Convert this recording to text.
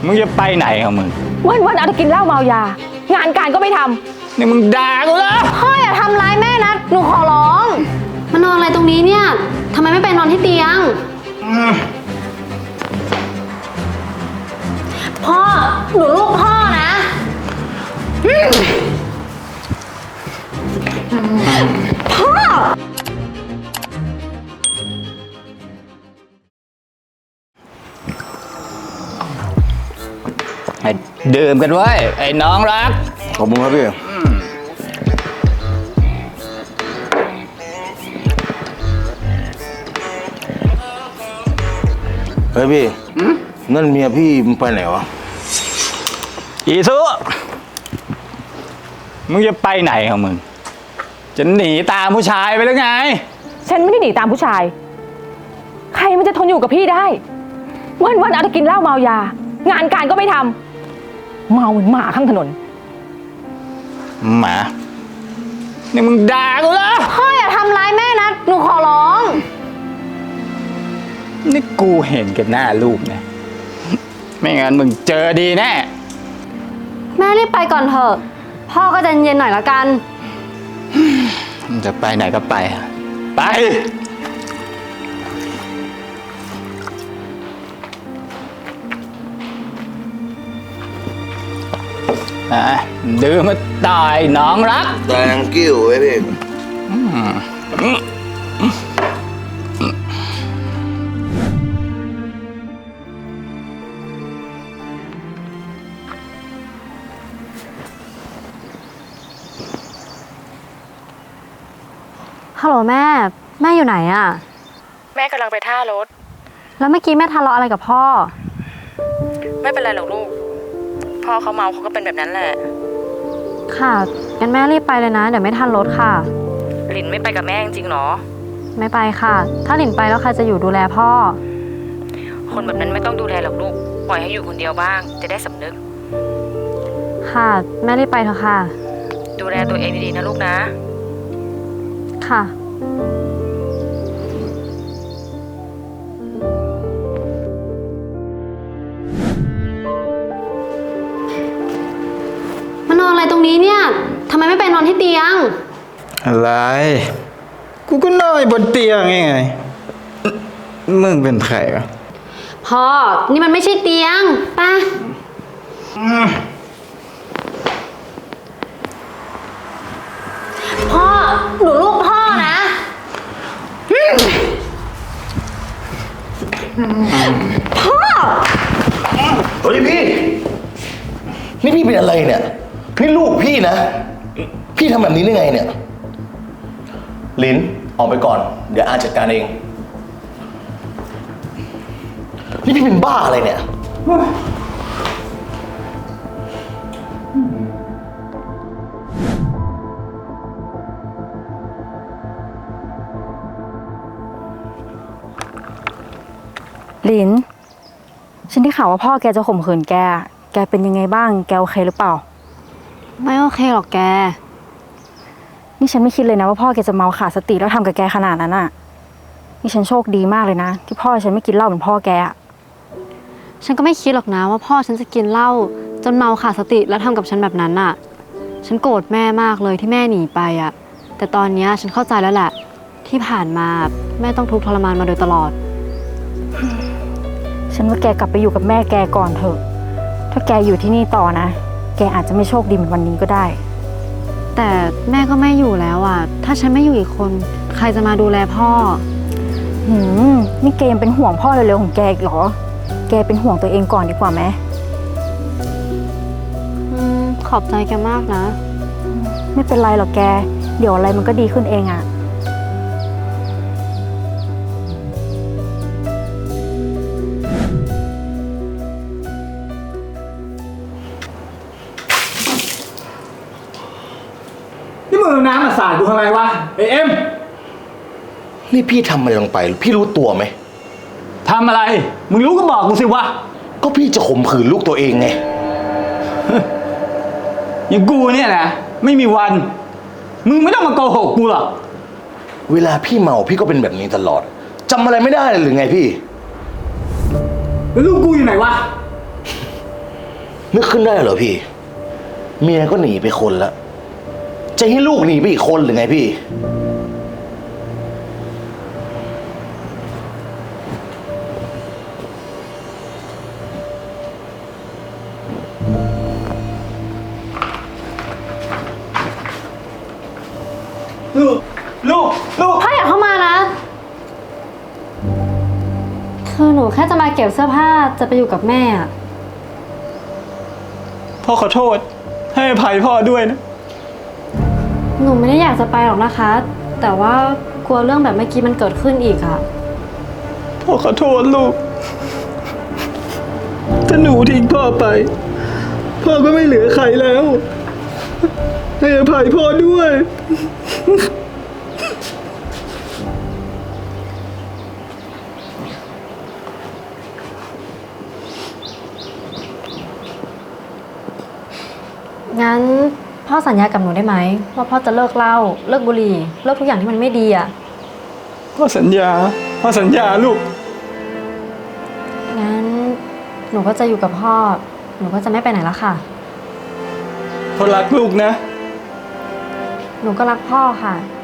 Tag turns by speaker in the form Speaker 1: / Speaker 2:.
Speaker 1: มึงจะไปไหนของมึง
Speaker 2: วันเอาแต่กินเหล้าเมายางานการก็ไม่ทำ
Speaker 1: นี่มึงด่ากูเหรอ
Speaker 2: พ่ออย่าทำร้ายแม่นะหนูขอร้อง
Speaker 3: มานอนอะไรตรงนี้เนี่ยทำไมไม่ไปนอนที่เตียงพ่อหนูลูกพ่อนะพ่อ
Speaker 1: ให้ดื่มกันไว้ไอ้น้องรัก
Speaker 4: ขอบคุณครับพี่เฮ้ยพี่นั่นเมียพี่มันไปไหนวะ
Speaker 1: อีซุมึงจะไปไหนของมึงจะหนีตามผู้ชายไปหรือไง
Speaker 2: ฉันไม่ได้หนีตามผู้ชายใครมันจะทนอยู่กับพี่ได้วันเอาแต่กินเหล้าเมายางานการก็ไม่ทำเมาเหมือนหมาข้างถนน
Speaker 1: หมานี่มึงด่ากูเหรอ
Speaker 2: พ่ออย่าทำร้ายแม่นะหนูขอร้อง
Speaker 1: นี่กูเห็นกันหน้าลูกนะไม่งั้นมึงเจอดีแน่
Speaker 3: แม่รีบไปก่อนเถอะพ่อก็ใจเย็นหน่อยละกัน
Speaker 1: มึงจะไปไหนก็ไปไปดื่มมาตายน้องรัก
Speaker 4: thank you ไอ้พี่
Speaker 3: ฮัลโหลแม่อยู่ไหนอะ
Speaker 5: แม่กำลังไปท่ารถ
Speaker 3: แล้วเมื่อกี้แม่ทะเลาะอะไรกับพ่อ
Speaker 5: ไม่เป็นไรหรอกลูกพ่อเขาเมาเขาก็เป็นแบบนั้นแหละ
Speaker 3: ค่ะงั้นแม่รีบไปเลยนะเดี๋ยวไม่ทันรถค่ะ
Speaker 5: หลินไม่ไปกับแม่จริงๆหรอ
Speaker 3: ไม่ไปค่ะถ้าหลินไปแล้วใครจะอยู่ดูแลพ่อ
Speaker 5: คนแบบนั้นไม่ต้องดูแลหรอกลูกปล่อยให้อยู่คนเดียวบ้างจะได้สำนึก
Speaker 3: ค่ะแม่รีบไปเถอะค่ะ
Speaker 5: ดูแลตัวเองดีๆนะลูกนะ
Speaker 3: ค่ะมานอนอะไรตรงนี้เนี่ยทำไมไม่ไปนอนที่เตียง
Speaker 1: อะไรกูก็นอนบนเตียงไงมึงเป็นใครวะ
Speaker 3: พ่อนี่มันไม่ใช่เตียงป่ะพ่อหนูลูกพ่อนะพ่อ
Speaker 4: เฮ้ยพี่นี่พี่เป็นอะไรเนี่ยนี่ลูกพี่นะพี่ทำแบบนี้ได้ไงเนี่ยลินออกไปก่อนเดี๋ยวอาจัดการเองนี่พี่เป็นบ้าอะไรเนี่ย
Speaker 3: ลินฉันได้ข่าวว่าพ่อแกจะข่มขืนแกเป็นยังไงบ้างแกโอเคหรือเปล่าไม่โอเคหรอกแกนี่ฉันไม่คิดเลยนะว่าพ่อแกจะเมาขาดสติแล้วทำกับแกขนาดนั้นอ่ะนี่ฉันโชคดีมากเลยนะที่พ่อฉันไม่กินเหล้าเหมือนพ่อแกอ่ะฉันก็ไม่คิดหรอกนะว่าพ่อฉันจะกินเหล้าจนเมาขาดสติแล้วทำกับฉันแบบนั้นอ่ะฉันโกรธแม่มากเลยที่แม่หนีไปอ่ะแต่ตอนนี้ฉันเข้าใจแล้วแหละที่ผ่านมาแม่ต้องทุกข์ทรมานมาโดยตลอดฉันว่าแกกลับไปอยู่กับแม่แกก่อนเถอะถ้าแกอยู่ที่นี่ต่อนะแกอาจจะไม่โชคดีเหมือนวันนี้ก็ได้แต่แม่ก็ไม่อยู่แล้วอ่ะถ้าฉันไม่อยู่อีกคนใครจะมาดูแลพ่อนี่แกยังเป็นห่วงพ่อเร็วๆของแกอีกเหรอแกเป็นห่วงตัวเองก่อนดีกว่าไหมขอบใจแกมากนะไม่เป็นไรหรอกแกเดี๋ยวอะไรมันก็ดีขึ้นเองอ่ะ
Speaker 1: นี่มึงน้ำมาสาดกูทำไมวะเอ็ม
Speaker 4: นี่พี่ทำอะไรลงไปพี่รู้ตัวไหม
Speaker 1: ทำอะไรมึงรู้ก็บอกกูสิวะ
Speaker 4: ก็พี่จะข่มขืนลูกตัวเองไง
Speaker 1: อย่างกูเนี่ยนะไม่มีวันมึงไม่ต้องมาโกหกกูหรอก
Speaker 4: เวลาพี่เมาพี่ก็เป็นแบบนี้ตลอดจำอะไรไม่ได้หรือไงพี่
Speaker 1: แล้วลูกกูอยู่ไหนวะ
Speaker 4: นึกขึ้นได้เหรอพี่ เมียก็หนีไปคนละจะให้ลูกหนีไปอีกคนหรือไงพี่
Speaker 1: ลูก
Speaker 3: พ่ออย่าเข้ามานะ คือหนูแค่จะมาเก็บเสื้อผ้าจะไปอยู่กับแม่อะ
Speaker 1: พ่อขอโทษ ให้อภัยพ่อด้วยนะ
Speaker 3: หนูไม่ได้อยากจะไปหรอกนะคะ แต่ว่ากลัวเรื่องแบบเมื่อกี้มันเกิดขึ้นอีกอะ
Speaker 1: พ่อขอโทษลูก ถ้าหนูทิ้งพ่อไป พ่อก็ไม่เหลือใครแล้ว ให้อภัยพ่อด้วย
Speaker 3: งั้นพ่อสัญญากับหนูได้ไหมว่าพ่อจะเลิกเหล้าเลิกบุหรี่เลิกทุกอย่างที่มันไม่ดีอะ
Speaker 1: พ่อสัญญาลูก
Speaker 3: งั้นหนูก็จะอยู่กับพ่อ หนูก็จะไม่ไปไหนแล้วค่ะ
Speaker 1: พ่อรักลูกนะ
Speaker 3: หนูก็รักพ่อค่ะ